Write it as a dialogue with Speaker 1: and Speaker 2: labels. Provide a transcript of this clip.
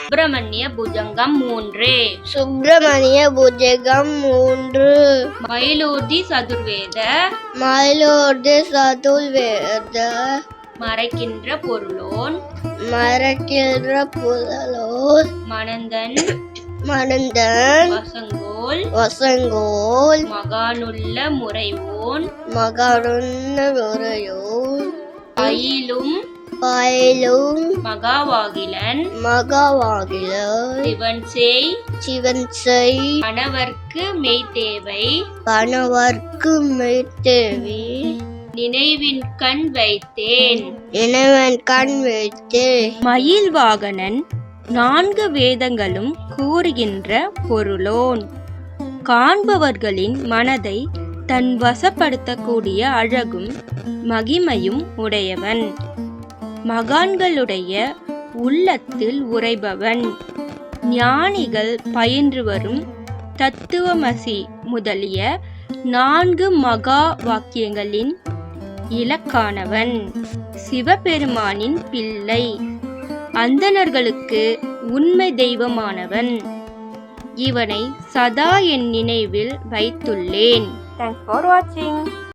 Speaker 1: சுப்பிரமணிய புஜங்கம் 3.
Speaker 2: சுப்பிரமணிய புஜங்கம் 3.
Speaker 1: மயிலூர்தி சதுர்வேத.
Speaker 2: மயிலூர்தி சதுர்வேத.
Speaker 1: மறைக்கின்ற பொருளோன்.
Speaker 2: மறைக்கின்ற பொருளோன்.
Speaker 1: மணந்தன்.
Speaker 2: மணந்தன்.
Speaker 1: வசங்கோல்.
Speaker 2: வசங்கோல்.
Speaker 1: மகானுள்ள முறைவோன்.
Speaker 2: மகானுள்ள முறையோன்.
Speaker 1: பயிலும்.
Speaker 2: பயிலும்.
Speaker 1: மகாவாகிலன்.
Speaker 2: மகாவாகிலன்.
Speaker 1: சிவன்செய்.
Speaker 2: சிவன்செய்.
Speaker 1: கணவர்க்கு மெய்தேவை.
Speaker 2: கணவர்க்கு மெய்தேவி.
Speaker 1: நினைவின் கண் வைத்தேன்.
Speaker 2: நினைவின் கண் வைத்தேன்.
Speaker 1: மயில் வாகனன் 4 வேதங்களும் கூறுகின்ற பொருளோன். காண்பவர்களின் மனதை தன் வசப்படுத்தக்கூடிய அழகும் மகிமையும் உடையவன். மகான்களுடைய உள்ளத்தில் உறைபவன். ஞானிகள் பயின்று வரும் தத்துவமசி முதலிய 4 மகா வாக்கியங்களின் இலக்கானவன். சிவபெருமானின் பிள்ளை. அந்தணர்களுக்கு உண்மை தெய்வமானவன். இவனை சதா என் நினைவில் வைத்துள்ளேன். Thanks for watching.